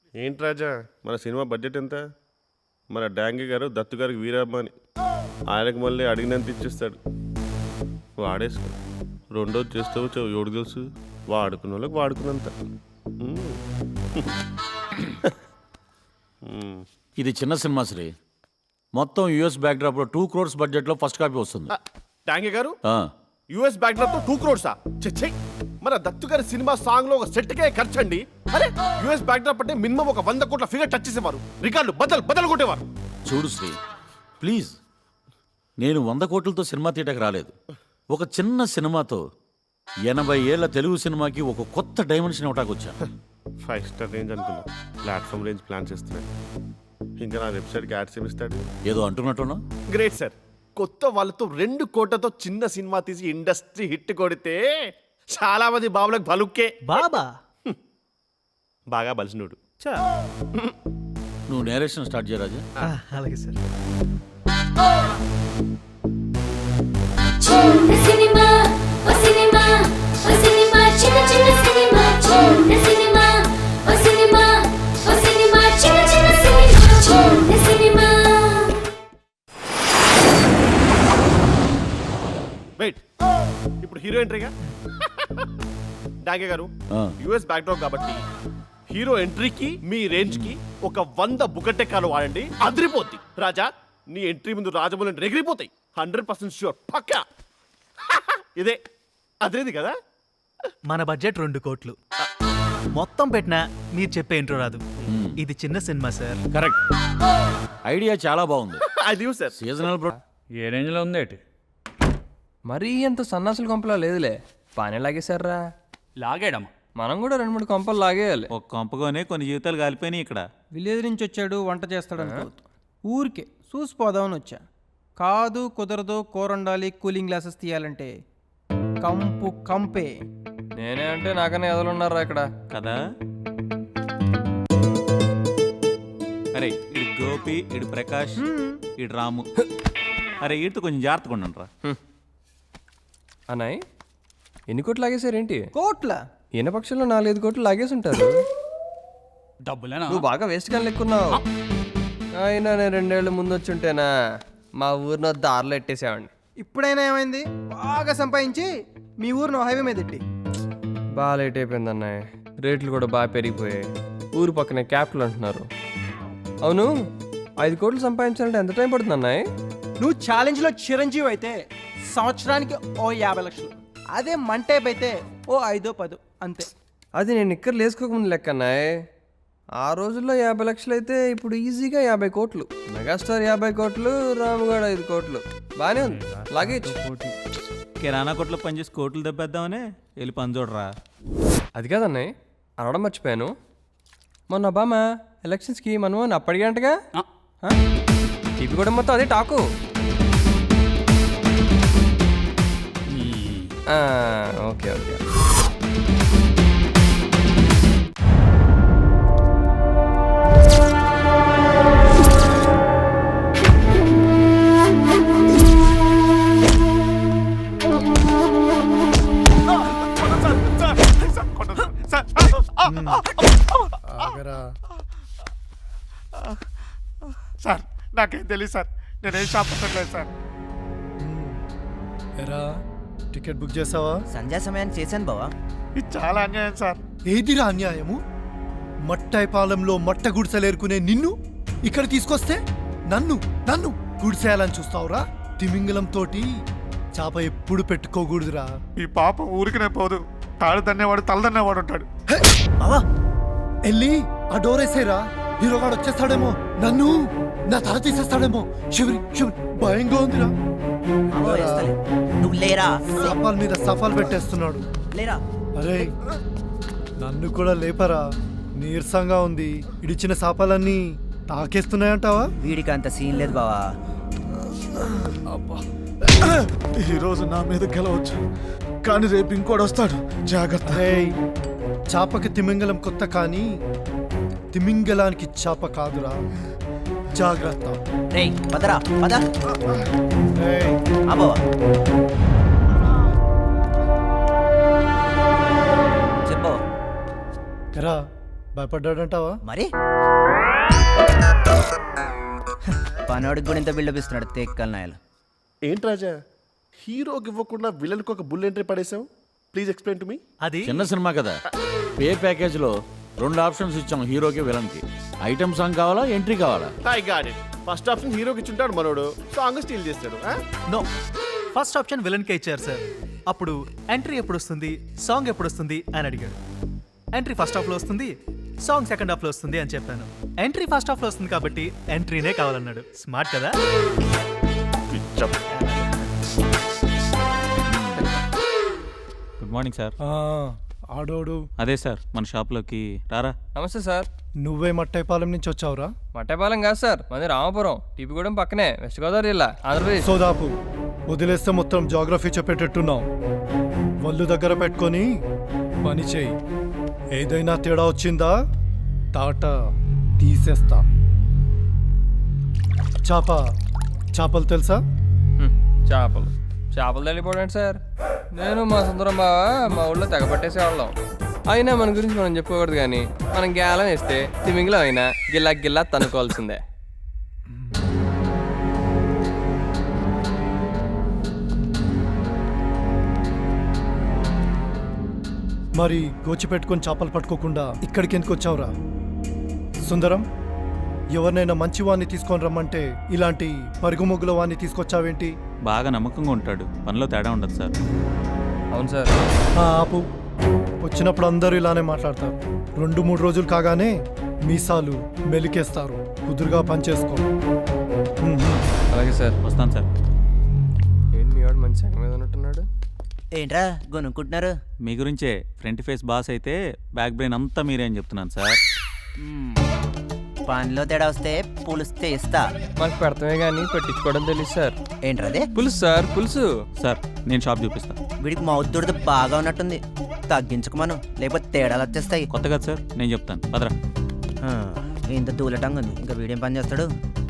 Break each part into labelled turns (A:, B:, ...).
A: ఏంటి రాజా మన cinema budget ఎంత? మన డాంగి గారు దత్తు గారికి వీరమ్మని ఆయనకు మళ్ళీ అడిగినంత ఇచ్చేస్తాడు. వాడేసుకో. రెండోది చేస్తావు ఎవడు తెలుసు, వాడుకున్న వాళ్ళకి వాడుకున్నంత.
B: ఇది చిన్న సినిమా శ్రీ. మొత్తం యూఎస్ బ్యాక్డ్రాప్లో 2 crores బడ్జెట్లో ఫస్ట్ కాపీ వస్తుంది.
A: డాంగి గారు యుఎస్ బ్యాక్డ్రాప్ తో 2 crores చెచ్చే. మన దత్తు గారి సినిమా సాంగ్ లో ఒక సెట్కే ఖర్చండి. అరే యుఎస్ బ్యాక్డ్రాప్ అంటే మినిమం ఒక 100 కోట్ల ఫిగర్ టచ్ చేసేవారు, రికార్డులు బద్దలు కొట్టేవారు.
B: చూడు శ్రీ ప్లీజ్, నేను 100 కోట్లతో సినిమా తీయటకు రాలేదు. ఒక చిన్న సినిమాతో 80 ఏళ్ల తెలుగు సినిమాకి ఒక కొత్త డైమెన్షన్ ఇవ్వటానికి వచ్చాను.
A: 5 స్టార్ రేంజ్ అనుకున్నా, ప్లాట్ఫామ్ రేంజ్ ప్లాన్ చేస్తున్నాడు. ఇంకా నా వెబ్సైట్కి యాడ్స్ ఏమిస్తాడు?
B: ఏదో అంటున్నట్టున్నా.
A: Great sir. కొత్త వాళ్ళతో 2 కోట్లతో చిన్న సినిమా తీసి ఇండస్ట్రీ హిట్ కొడితే చాలా మంది బాబులకు బలుక్కే.
C: బాబా
A: బాగా బలిసినోడు.
B: నువ్వు నేరేషన్ స్టార్ట్ చేయరాజా.
C: అలాగే సార్.
D: చిన్న సినిమా ఓ సినిమా ఓ సినిమా చిన్న చిన్న సినిమా చిన్న సినిమా ఓ సినిమా ఓ సినిమా చిన్న చిన్న సినిమా చిన్న సినిమా.
A: వెయిట్, ఇప్పుడు హీరో ఎంట్రీగా. డాగే గారు యుఎస్ బ్యాక్డ్రాప్ కాబట్టి హీరో ఎంట్రీకి మీ రేంజ్ కి ఒక 100 బుకటెక్కాలు వాడండి, అదిరిపోద్ది. రాజా నీ ఎంట్రీ ముందు రాజమౌళి ఎగిరిపోతాయి. 100% ష్యూర్, పక్కా. ఇదే అదేది కదా.
C: మన బడ్జెట్ 2 కోట్లు. మొత్తం పెట్టినా మీరు చెప్పే ఇంట్రో రాదు. ఇది చిన్న సినిమా సార్.
B: కరెక్ట్, ఐడియా చాలా బాగుంది.
A: అది సార్
B: సీజనల్ ప్రో.
E: ఏ రేంజ్లో ఉంది ఏంటి?
F: మరీ అంత సన్నాసుల కొంపలా లేదులే, బాగానే లాగేశారా.
E: లాగాడమ్మ.
F: మనం కూడా 2-3 కొంపలు లాగేయాలి.
G: ఒక కొంపగానే కొన్ని జీవితాలు కాలిపోయినాయి ఇక్కడ.
H: విలేజ్ నుంచి వచ్చాడు, వంట చేస్తాడు అనుకోవద్దు. ఊరికే చూసిపోదామని వచ్చా. కాదు కుదరదు, కూర వండాలి, కూలింగ్ గ్లాసెస్ తీయాలంటే కంపే.
F: నేనే అంటే నాకనే ఎదలున్నారా ఇక్కడ
G: కదా. అరే ఇడు గోపి, ఇడు ప్రకాష్, ఇడు రాము. అరే వీటితో కొంచెం జాగ్రత్తగా ఉండండి రా.
F: అన్నాయ్, ఎన్ని కోట్లు లాగేశారేంటి?
H: కోట్ల
F: ఈయన పక్షంలో 4-5 కోట్లు లాగేసి ఉంటారు.
E: డబ్బులేనా?
F: నువ్వు బాగా వేస్ట్ కానీ లెక్కున్నావు. అయినా నేను 2 ఏళ్ళ ముందు వచ్చి ఉంటేనా మా ఊరిని దారిలో ఎట్టేసావండి.
H: ఇప్పుడైనా ఏమైంది? బాగా సంపాదించి మీ ఊరిని హైవే మీద ఎట్టి.
F: బాగా లేట్ అయిపోయింది అన్నయ్య, రేట్లు కూడా బాగా పెరిగిపోయాయి. ఊరు పక్కనే క్యాపిటల్ అంటున్నారు. అవును, 5 కోట్లు సంపాదించాలంటే ఎంత టైం పడుతుంది అన్నయ్య?
H: నువ్వు ఛాలెంజ్లో చిరంజీవి అయితే సంవత్సరానికి ఓ 50 లక్షలు. అదే మంటేప్ అయితే ఓ 5-10 అంతే.
F: అది నేను ఇక్కడ లేసుకోకముందు లెక్క అన్నయ్య. ఆ రోజుల్లో 50 లక్షలు అయితే ఇప్పుడు ఈజీగా 50 కోట్లు. మెగాస్టార్ 50 కోట్లు, రాముగాడు 5 కోట్లు. బాగానే ఉంది, లాగేచ్చు.
G: కిరాణా కొట్లో పనిచేసి కోట్లు దెబ్బేద్దామనే వెళ్ళి పని చూడరా.
F: అది కాదన్నయ్య, అనడం మర్చిపోయాను. మొన్న ఒబామా ఎలక్షన్స్కి మనం అప్పటికంటగా టీవీ కూడా మొత్తం అదే టాకు. Okay okay.
I: సార్ నాకేం తెలియదు సార్, నేనేం షాప్ పెట్టలేదు సార్.
J: ఎరా టికెట్ బుక్ చేసావా?
C: సంధ్యా సమయాన్ని చేశాను బావా.
I: ఇది చాలా అన్యాయం సార్.
J: ఏదిరా అన్యాయము? మట్టైపాలెంలో మట్ట గుడిసెలేరుకునే నిన్ను ఇక్కడ తీసుకొస్తే నన్ను నన్ను గుడిసేయాలని చూస్తావురా? తిమింగలం తోటి చాప ఎప్పుడు పెట్టుకోకూడదురా.
I: ఈ పాప ఊరికినే పోదు, తాడు దన్నేవాడు తల దన్నేవాడు ఉంటాడు.
J: బావా వెళ్ళి ఆ డోర్ వేసేరా, హీరోగాడు వచ్చేస్తాడేమో, నన్ను నా తల తీసేస్తాడేమో. శివరి శివరి భయంగా ఉందిరా.
C: నువ్వు లేరా,
J: సఫాల్ మీద సఫాల్ పెట్టేస్తున్నాడు.
C: లేరా.
J: అరే నన్ను కూడా లేపరా, నీరసంగా ఉంది. ఇడిచిన శాపాలన్నీ తాకేస్తున్నాయంటావా?
C: వీడికి అంత సీన్ లేదు బావా.
I: ఈరోజు నా మీద గెలవచ్చు, కానీ రేపు ఇంకోటి వస్తాడు, జాగ్రత్త.
J: చాపకి తిమింగలం కొత్త, కానీ తిమింగలానికి చాప కాదురా, జాగ్రత్త.
C: రేయ్ పదరా పద.
J: ఏయ్,
C: బావా చెప్పు.
J: ఎరా భయపడ్డాడంటావా?
K: మరి పనోడికి కూడా ఇంత బిల్డప్ ఇస్తున్నాడు తేక్కల నాయలు.
A: ఏంటి రాజా, హీరోకి ఇవ్వకుండా విలన్కి ఒక బుల్ ఎంట్రీ పడేసావు? Please explain to me.
C: అది
B: చిన్న సినిమా కదా, పే ప్యాకేజ్లో 2 ఆప్షన్స్ ఇచ్చాం, హీరోకి విలన్కి. ఐటమ్ సాంగ్ కావాలా, ఎంట్రీ కావాలా?
A: I got it. First option హీరోకి ఇచ్చుంటాడు మనోడు, సాంగ్ స్టీల్ చేస్తాడు.
C: నో, ఫస్ట్ ఆప్షన్ విలన్కే ఇచ్చారు సార్. అప్పుడు ఎంట్రీ ఎప్పుడు వస్తుంది, సాంగ్ ఎప్పుడు వస్తుంది అని అడిగాడు. ఎంట్రీ ఫస్ట్ హాఫ్లో వస్తుంది, సాంగ్ సెకండ్ హాఫ్లో వస్తుంది అని చెప్పాను. ఎంట్రీ ఫస్ట్ హాఫ్లో వస్తుంది కాబట్టి ఎంట్రీనే కావాలన్నాడు. స్మార్ట్ కదా.
G: Good morning sir.
J: ఆడోడు
G: అదే సార్, మన షాప్లోకి రారా.
F: నమస్తే సార్.
J: నువ్వే మట్టైపాలెం నుంచి వచ్చావురా?
F: మట్టపాలెం కాదు సార్, మాది రామాపురం, టీపీగూడెం పక్కనే, వెస్ట్ గోదావరి జిల్లా, ఆంధ్రప్రదేశ్.
J: సోదాపు వదిలేస్తే మొత్తం జాగ్రఫీ చెప్పేటట్టున్నావు. వల్లు దగ్గర పెట్టుకొని పని చేయి. ఏదైనా తేడా వచ్చిందా తాట తీసేస్తా. చేపలు తెలుసా?
F: చేపలు తల్లిపోవడం సార్. నేను మా సుందరం బావ మా ఊళ్ళో తెగపట్టేసేవాళ్ళం. అయినా మన గురించి మనం చెప్పుకోకూడదు, కానీ మనం గేలం వేస్తే తిమింగిలో అయినా గిల్లా తనుకోవాల్సిందే.
J: మరి గోచి పెట్టుకొని చేపలు పట్టుకోకుండా ఇక్కడికి ఎందుకు వచ్చావురా? సుందరం, ఎవరినైనా మంచి వాడిని తీసుకొని రమ్మంటే ఇలాంటి పరుగుముగ్గుల వాడిని తీసుకొచ్చావేంటి?
G: బాగా నమ్మకంగా ఉంటాడు, పనిలో తేడా ఉండదు సార్.
F: అవును సార్.
J: ఆపు. వచ్చినప్పుడు అందరూ ఇలానే మాట్లాడతారు. 2-3 రోజులు కాగానే మీసాలు మెలికేస్తారు. కుదురుగా పనిచేసుకో.
F: అలాగే సార్.
G: వస్తాను సార్.
F: ఏంటి మీ వాడు మంచి సంగ మీద ఉన్నట్టున్నాడు?
K: ఏంట్రా గొనుక్కుంటున్నారు?
G: మీ గురించే. ఫ్రంట్ ఫేస్ బాస్ అయితే బ్యాక్ బ్రెయిన్ అంతా మీరే అని చెప్తున్నాను సార్.
K: పనిలో తేడా వస్తే పులుస్తే ఇస్తా.
F: మాకు పెడతామే కానీ పెట్టించుకోవడం తెలియదు సార్.
K: ఏంట్రదే?
F: పులుసు సార్, పులుసు.
G: సార్ నేను షాప్ చూపిస్తాను.
K: వీడికి మౌద్దుడిది బాగా ఉన్నట్టుంది. తగ్గించుకోమను, లేకపోతే తేడాలు వచ్చేస్తాయి.
G: కొత్త కదా సార్, నేను చెప్తాను పదరా.
K: ఇంత దూలటంగా ఉంది, ఇంకా వీడేం పని చేస్తాడు?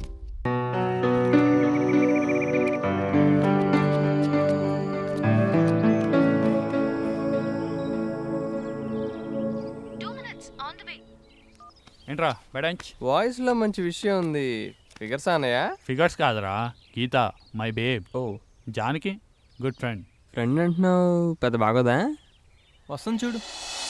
E: ఏంట్రా బెడంచ్?
F: వాయిస్ లో మంచి విషయం ఉంది. ఫిగర్స్ అన్నయ్య?
E: ఫిగర్స్ కాదురా, గీత మై బేబ్. ఓ జానకి గుడ్ ఫ్రెండ్.
F: ఫ్రెండ్ అంటున్నావు, పెద్ద బాగోదా?
H: వస్తుంది చూడు.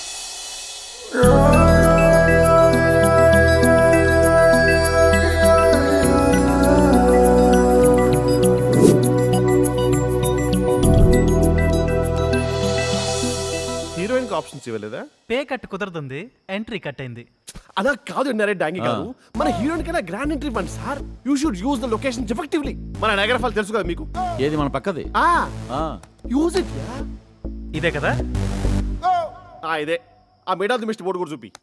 A: హీరోయిన్ కి ఆప్షన్స్ ఇవ్వలేదా?
C: పే కట్ కుదరదుంది, ఎంట్రీ కట్ అయింది.
A: అలా కాదు నరే డాంగి గారు, మన హీరోయిన్ కన్నా గ్రాండ్ ఎంట్రీ ఇవ్వండి sir. You should use the location effectively. మన నగర ఫాల్ తెలుసు కదా మీకు.
B: ఏది మన పక్కది?
A: Use it.
C: ఇదే కదా?
A: ఇదే. ఆ మేడాది మిస్టర్ బోర్డు కూడా చూపి.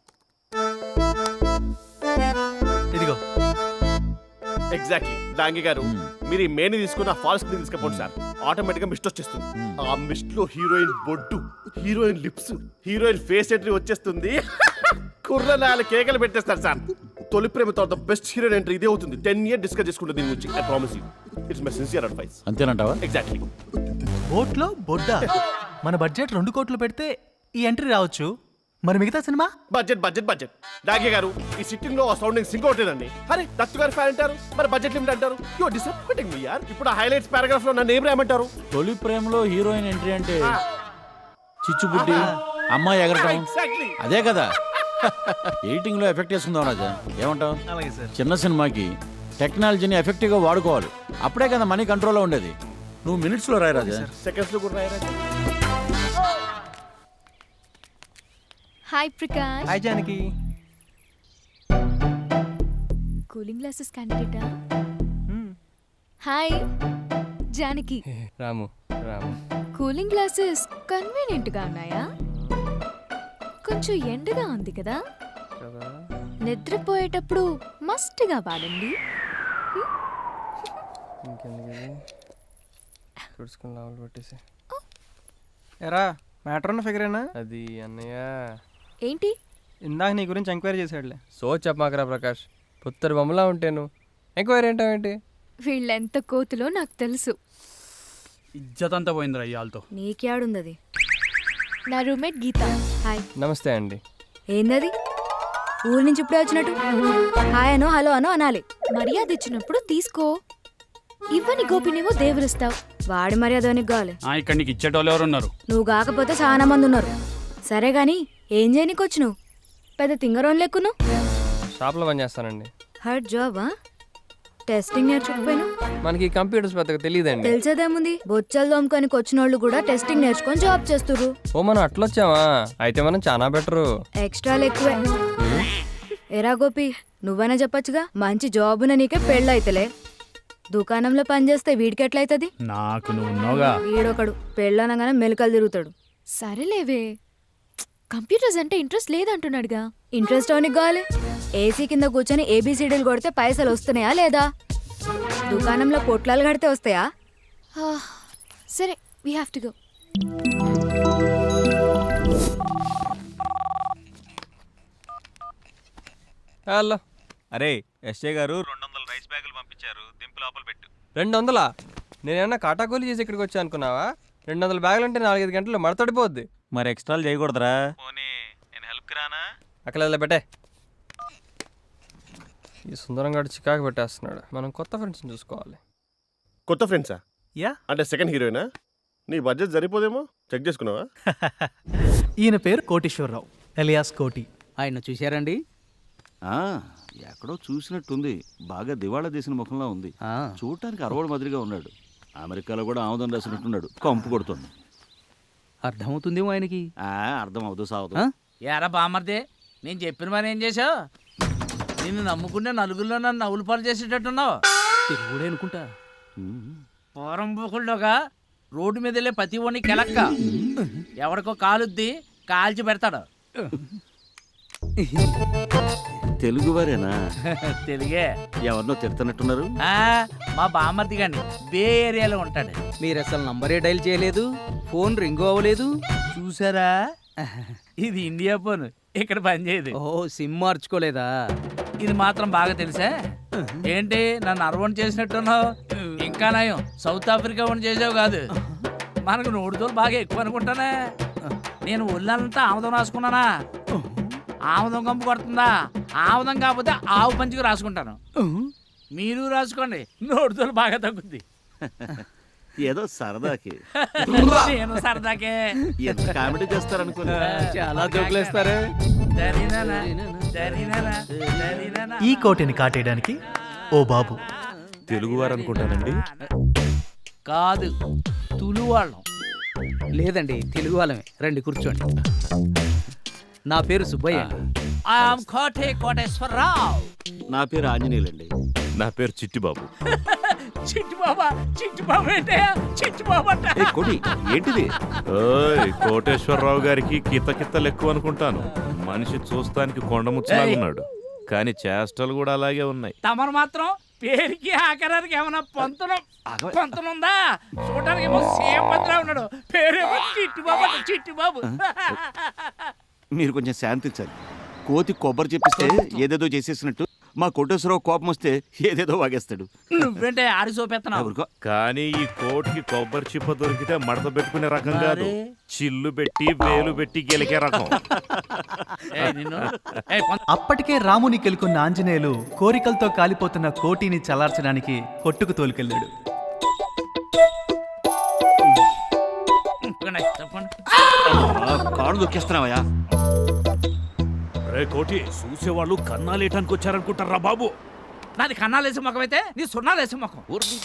C: ఇదిగో.
A: ఎగ్జాక్ట్లీ. డాంగి గారు, మీరు ఈ మేని తీసుకుని ఆ ఫాల్స్ కి తీసుకపోండి సార్. ఆటోమేటిక్ గా మిస్ట్ వచ్చేస్తుంది. ఆ మిస్ట్ లో హీరోయిన్ బొడ్డు, heroine lips, heroine face entry వచ్చేస్తుంది. కుర్ర 4 కేకలు పెట్టేస్తారు సార్. తొలి ప్రేమ తర్వాత బెస్ట్ హీరోయిన్ ఎంట్రీ ఇదే అవుతుంది. 10 years డిస్కస్ చేసుకుంటుంది దీని గురించి. I promise you, it's my sincere advice.
B: అంతేనంటావా?
A: ఎగ్జాక్ట్లీ.
C: బోట్లో బొడ్డా? మన బడ్జెట్ 2 కోట్లు పెడితే ఈ ఎంట్రీ రావచ్చు. మరి మిగతా సినిమా?
A: Budget budget budget. డాగే గారు, ఈ సిట్టింగ్ లో సౌండింగ్ సింక్ అవుతుందండి. అరే దత్తు గారు ఫ్యాన్ అంటారు, మరి బడ్జెట్ లిమిట్ అంటారు. యు డిసప్పాయింటింగ్ మీ యార్. ఇప్పుడు ఆ హైలైట్స్ పారాగ్రాఫ్ లో నన్ను ఏం రాయమంటారు?
B: తొలి ప్రేమలో హీరోయిన్ ఎంట్రీ అంటే చిచ్చుబుడ్డి, అమ్మాయి ఎగరటం,
A: ఎగ్జాక్ట్లీ.
B: అదే కదా. ఎడిటింగ్ లో ఎఫెక్ట్ వేసుకుందాం రాజా, ఏమంటావు?
C: అలాగే సార్.
B: చిన్న సినిమాకి టెక్నాలజీని ఎఫెక్టివ్ గా వాడుకోవాలి. అప్పుడే కదా మనీ కంట్రోల్లో ఉండేది. నువ్వు మినిట్స్ లో రాయి రాజా.
A: సెకండ్స్ లో కూడా రాయరా.
D: Hi Prakash.
H: Hi Janaki.
D: Cooling glasses క్యాండిడేటా? Hi Janaki.
F: Ramu.
D: Cooling glasses convenient గా ఉన్నాయా? కొంచెం ఎండగా ఉంది కదా, నిద్రపోయేటప్పుడు మస్ట్గా వాడండి.
H: ఎరా మ్యాటర్ ఉన్న ఫిగరేనా?
F: అది అన్నయ్య.
D: ఏంటి?
H: ఇందాక నీ గురించి ఎంక్వైరీ చేశాడులే.
F: సో చెప్పమాకరా ప్రకాష్, పుత్తరు బొమ్మలా ఉంటాను. ఎంక్వైరీ ఏంటావేంటి?
D: వీళ్ళెంత కోతులో నాకు తెలుసు.
E: ఇజ్జత్ అంతా పోయిందిరా ఇయాలతో.
D: నీకేడుందది? నా రూమ్మేట్ గీత. హాయ్.
F: నమస్తే అండి.
D: ఏందది? ఊరి నుంచి ఇప్పుడే వచ్చినట్టు హాయ్ అనో హలో అనో అనాలి. మర్యాద ఇచ్చినప్పుడు తీసుకో. ఇవ్వని గోపినేమో దేవుడిస్తావు. వాడి మర్యాద నీకు కావాలి.
E: ఇక్కడ నీకు ఇచ్చేటోళ్ళు ఎవరు ఉన్నారు?
D: నువ్వు కాకపోతే చాలా మంది ఉన్నారు. సరే గాని ఏం చేయనీకి వచ్చును? పెద్ద తింగరోన్ లెక్కును.
F: షాప్లో పని చేస్తానండి.
D: హార్డ్ జాబా? టెస్టింగ్ నేర్చుకోపోయినా?
F: మనకి కంప్యూటర్స్ పెద్దగా తెలియదండి.
D: తెలిసేదేముంది, బొచ్చలు దోమకానికి వచ్చిన వాళ్ళు కూడా టెస్టింగ్ నేర్చుకొని జాబ్ చేస్తుర్రు.
F: ఓ మనం అట్లొచ్చామా? అయితే మనం చాలా బెటరు.
D: ఎక్స్ట్రాలు ఎక్కువే. ఎరా గోపి, నువ్వైనా చెప్పొచ్చుగా, మంచి జాబున నీకే పెళ్ళైతలే. దుకాణంలో పనిచేస్తే వీడికి ఎట్లయితది?
E: నాకు నువ్వు ఉన్నావుగా.
D: వీడొకడు పెళ్ళనగానే మెలికలు తిరుగుతాడు.
L: సరేలేవే, కంప్యూటర్స్ అంటే ఇంట్రెస్ట్ లేదంటున్నాడుగా.
D: ఇంట్రెస్ట్ అవనికి కావాలి. ఏసీ కింద కూర్చొని ఏబిసిడీలు కొడితే పైసలు వస్తున్నాయా లేదా? దుకాణంలో పొట్లాలు కడితే వస్తాయా?
L: సరే, we have to go.
F: Hello.
G: అరే ఎస్ఏ గారు 200 రైస్ బ్యాగులు పంపించారు, దింపు లోపల పెట్టు.
F: 200? నేనేమన్నా కాటాకూలి చేసి ఇక్కడికి వచ్చా అనుకున్నావా? 200 బ్యాగులు అంటే 4-5 గంటలు మడతడిపోద్ది.
G: మరి ఎక్స్ట్రాలు చేయకూడదురా? పోనీ నేను హెల్ప్కి రానా?
F: అక్కడ పెట్టే. ఈ సుందరం గారు చికాకు పెట్టేస్తున్నాడు. మనం కొత్త ఫ్రెండ్స్ని చూసుకోవాలి.
A: కొత్త ఫ్రెండ్సా?
C: యా.
A: అంటే సెకండ్ హీరోయినా? నీ బడ్జెట్ సరిపోదేమో, చెక్ చేసుకున్నావా?
C: ఈయన పేరు కోటేశ్వరరావు ఎలియాస్ కోటి.
M: ఆయన చూశారండి?
B: ఎక్కడో చూసినట్టుంది. బాగా దివాళా తీసిన ముఖంలో ఉంది. చూడటానికి అరవడు మాదిరిగా ఉన్నాడు. అమెరికాలో కూడా ఆముదం రాసినట్టున్నాడు. కంపు కొడుతుంది.
M: అర్థమవుతుందేమో ఆయనకి.
B: అర్థం అవుతూ సాగుతూ.
M: ఏరా బామర్దే, నేను చెప్పిన మరి ఏం చేశావు? నిన్ను నమ్ముకునే నలుగురిలో నన్ను నవ్వులు పాలు చేసేటట్టున్నావు. తెలుగుడే అనుకుంటా. పూరం బుకుల్లోగా రోడ్డు మీద వెళ్ళే ప్రతి ఒని కెలక్క ఎవరికో కాలుద్ది కాల్చి పెడతాడు.
B: తెలుగువారేనా?
M: తెలుగే.
B: ఎవరినో తిడుతున్నట్టున్నారు.
M: మా బామర్ది గాని బే ఏరియాలో ఉంటాడు.
H: మీరు అసలు నంబరే డైల్ చేయలేదు, ఫోన్ రింగ్ అవ్వలేదు.
M: చూసారా, ఇది ఇండియా ఫోన్, ఇక్కడ పనిచేయదు.
H: ఓ, సిమ్ మార్చుకోలేదా?
M: ఇది మాత్రం బాగా తెలుసా? ఏంటి నన్ను అరవణ్ చేసినట్టున్నావు? ఇంకా నయం సౌత్ ఆఫ్రికా వన్ చేసావు కాదు. మనకు నోడుతోలు బాగా ఎక్కువ అనుకుంటానే. నేను ఒళ్ళంతా ఆముదం రాసుకున్నానా? ఆముదం కంపు కొడుతుందా? ఆముదం కాకపోతే ఆవు పంచుకు రాసుకుంటాను. మీరు రాసుకోండి, నోడుతోలు బాగా తగ్గుద్ది.
B: ఏదో సరదాకి.
M: నేను సరదాకే.
B: ఎంత కామెడీ చేస్తారనుకున్నా.
H: చాలా జోకులేస్తారే.
C: ఈ కోటిని కాటేయడానికి ఓ బాబు.
A: తెలుగువారు అనుకుంటానండి.
M: కాదు, తులువాళ్ళం.
H: లేదండి, తెలుగు వాళ్ళమే. రండి కూర్చోండి. నా పేరు సుబ్బయ్య.
M: కోటేశ్వరరావు.
B: నా పేరు ఆంజనేయులండి.
A: నా పేరు చిట్టిబాబు.
M: చిట్టిబాబా? చిట్టిబాబు ఏంటే? చిట్టిబాబు అంట.
B: కోటి ఏంటిది?
A: కోటేశ్వరరావు గారికి కిత్తకిత్తలు ఎక్కువ అనుకుంటాను. మనిషి చూస్తానికి కొండముచ్చులాగున్నాడు, కానీ చేష్టలు కూడా అలాగే ఉన్నాయి.
M: తమరు మాత్రం పేరుకి ఆకారానికి ఏమన్నా పొంతనుందా? చూడడానికి ఏమో సేమ్ పత్రా ఉన్నాడు, పేరేమో చిట్టిబాబు అంట. చిట్టిబాబు.
B: మీరు కొంచెం శాంతించాలి. కోతి కొబ్బరి చెప్పిస్తే ఏదేదో చేసేసినట్టు మా కోటేశ్వరరావు కోపం వస్తే ఏదేదో వాగేస్తాడు.
M: నువ్వేంటే ఆడి సోపెత్తనావు?
A: కానీ ఈ కోటికి కొబ్బరి చిప్ప దొరికితే మడత పెట్టుకునే రకం కాదు, చిల్లు పెట్టి వేలు పెట్టి గెలికే రకం.
C: అప్పటికే రాముని కెలుకున్న ఆంజనేయులు కోరికలతో కాలిపోతున్న కోటిని చల్లార్చడానికి కొట్టుకు తోలుకెళ్ళాడు.
B: కాడు దొక్కేస్తున్నావయ్యా.
A: కోటి చూసేవాళ్ళు కన్నాలేయటానికి వచ్చారనుకుంటారా బాబు?
M: నాది కన్నాలేసే ముఖం అయితే నీ సున్నాలేసే ముఖం.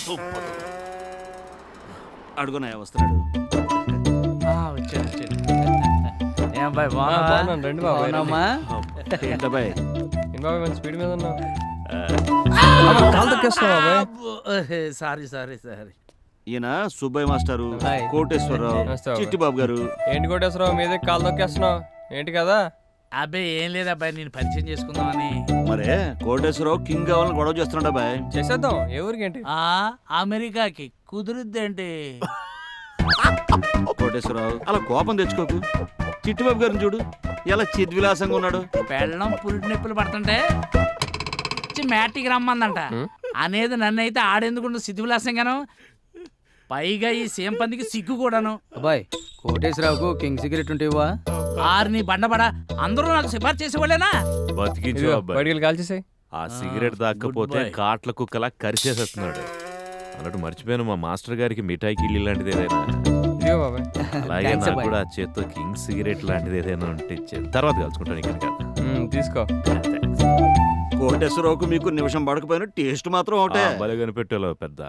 B: అడుగునాయా వస్తున్నాడు.
M: వచ్చాడు. ఏం బాయ్
F: బాగున్నాను. రండి బాబు.
B: ఏంటబ్బాయ్
F: బాబు మంచి స్పీడ్ మీద ఉన్నావు. కాలు తొక్కేస్తున్నావు బాబాయ్.
M: సారీ.
B: ఈయన సుబ్బయ్య మాస్టారు, కోటేశ్వరరావు, చిట్టిబాబు గారు.
F: ఏంటి కోటేశ్వరరావు మీదే కాలు తొక్కేస్తున్నావు ఏంటి కదా?
M: అబ్బాయి ఏం లేదు అబ్బాయి, నేను పరిచయం చేసుకుందామని.
B: మరే కోటేశ్వరరావు కింగ్ కావాలని గొడవ చేస్తున్నాడు అబ్బాయి.
F: చేసేద్దాం. ఏ ఊరికి ఏంటి?
M: అమెరికాకి. కుదురుద్దేంటి?
B: కోటేశ్వరరావు అలా కోపం తెచ్చుకోకు. చిట్టిబాబు గారిని చూడు ఎలా చిద్విలాసంగా ఉన్నాడు.
M: పెళ్ళం పురిటి నొప్పులు పడుతుంటే మ్యాటికి రమ్మందంట అనేది నన్నైతే ఆడేందుకు సిద్ధివిలాసంగాను. పైగా ఈ సేమ్ పందికి సిగ్గు కూడాను.
H: అబ్బాయ్, కోటేశ్వరరావుకు కింగ్ సిగరెట్ ఉంటేవా?
M: ఆరిని బండబడ అందరూ నాకు సిఫార్సు చేసేవాళ్ళేనా?
N: బతికించు
F: ఇదిగో,
N: అబ్బాయి.
F: బయటికి వెళ్ళి కాల్చేసాయి.
N: ఆ సిగరెట్ దాక్కపోతే
M: good boy.
N: కాట్ల కుక్కలా కరిచేసేస్తున్నాడు. అన్నట్టు మర్చిపోయాను మా మాస్టర్ గారికి మిఠాయి కిల్లి లాంటిది ఏదైనా.
F: ఇదిగో బాబాయ్.
N: అలాగే
K: Thanks,
N: నాకు
K: అబ్బాయి.
N: కూడా ఆ చేత్తో కింగ్ సిగరెట్ లాంటిది ఏదైనా ఉంటే ఇచ్చేది. తర్వాత కలుసుకుంటాను ఇక్కడ కాదు.
F: తీసుకో.
B: కోటేశ్వరరావుకు మీకు నిమిషం పడకపోయినా టేస్ట్ మాత్రం ఒకటే.
N: భలే కనిపెట్టాలో పెద్ద.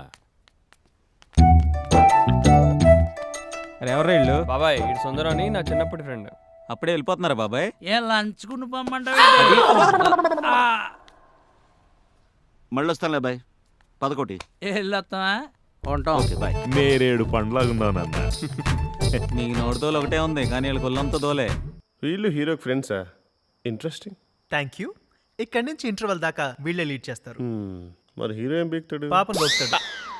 G: అరే ఎవరు ఇల్లు
F: బాబాయ్ ఇటు సుందరం అని నా చిన్నప్పటి ఫ్రెండ్.
G: అప్పుడే వెళ్ళిపోతున్నారా బాబాయ్?
M: ఏం లంచుకుని పొమ్మంటావు?
B: మళ్ళీ వస్తానులే బాయ్. పదకోటి
M: వెళ్ళొస్తావా?
B: ఉంటాం. Okay bye.
N: నేరేడు పండ్లాగున్నానన్న.
G: నీకు నోటితోలు ఒకటే ఉంది కానీ వీళ్ళకి ఒళ్ళంతా దోలే.
A: వీళ్ళు హీరోకి ఫ్రెండ్సా? ఇంట్రెస్టింగ్.
C: Thank you. ఇక్కడి నుంచి ఇంటర్వెల్ దాకా వీళ్ళే లీడ్ చేస్తారు.
A: మరి హీరో ఏం బీక్తాడు?
C: పాపం దొరుకుతాడు.